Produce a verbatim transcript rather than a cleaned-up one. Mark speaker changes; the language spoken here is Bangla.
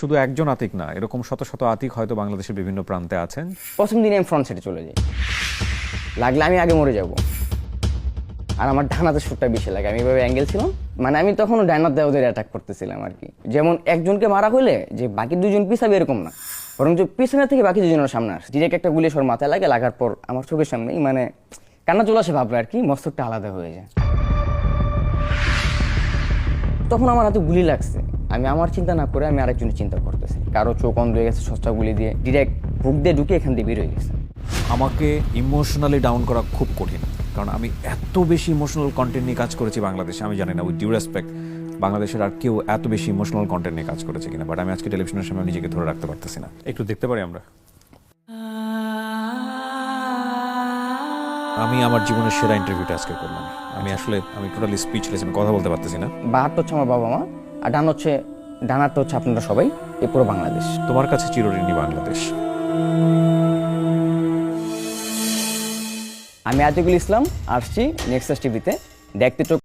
Speaker 1: শুধু একজন আতিক না, এরকম শত শত আতিক হয়তো বাংলাদেশের বিভিন্ন প্রান্তে আছেন।
Speaker 2: প্রথম দিনে আমি ফ্রন্ট সাইডে চলে যাই, লাগলে আমি আগে মরে যাব। আর আমার ডানাতে শুটটা বেশি লাগে, আমি এভাবে অ্যাঙ্গেল ছিলাম, মানে আমি তখন ডাইনার দেওয়াদের অ্যাটাক করতেছিলাম আর কি। যেমন একজনকে মারা হলে যে বাকি দুজন পিছাবে এরকম না, বরং যে পিছনের থেকে বাকি দুজনের সামনে আসে, ডিরেক্ট একটা গুলি সর মাথায় লাগে, লাগার পর আমার চোখের সামনেই মানে কান্না চলে আসে, ভাবলো আর কি, মস্তকটা আলাদা হয়ে যায়। তখন আমার হাতে গুলি লাগছে, আমি আমার চিন্তা না করে আমি আরেকজনের চিন্তা করতেছি, কারো চোখ অন্ধ হয়ে গেছে সস্তা গুলি দিয়ে, ডিরেক্ট বুক দিয়ে ঢুকে এখান দিয়ে বের হয়ে গেছে।
Speaker 1: আমাকে ইমোশনালি ডাউন করা খুব কঠিন, কারণ আমি এত বেশি ইমোশনাল কন্টেন্ট নিয়ে কাজ করেছি বাংলাদেশে। আমি জানি না, উইথ ডিউ রেসপেক্ট, বাংলাদেশের আর কেউ এত বেশি ইমোশনাল কন্টেন্ট নিয়ে কাজ করেছে কিনা, বাট আমি আজকে টেলিভিশনের সামনে নিজেকে ধরে রাখতে পারতেছি না। একটু দেখতে পারি আমরা? আমি আমার জীবনের সেরা ইন্টারভিউটা আজকে করলাম। আমি আসলে আমি টোটালি স্পিচলেস, আমি কথা বলতে পারতেছি না।
Speaker 2: বাহারটা হচ্ছে আমার বাবা মা, আর ডান হচ্ছে ডানারটা হচ্ছে আপনারা সবাই, এই পুরো বাংলাদেশ।
Speaker 1: তোমার কাছে চিরঋণী বাংলাদেশ।
Speaker 2: আমি আতিকুল ইসলাম, আসছি নেক্সাস টিভিতে দেখতে চোখ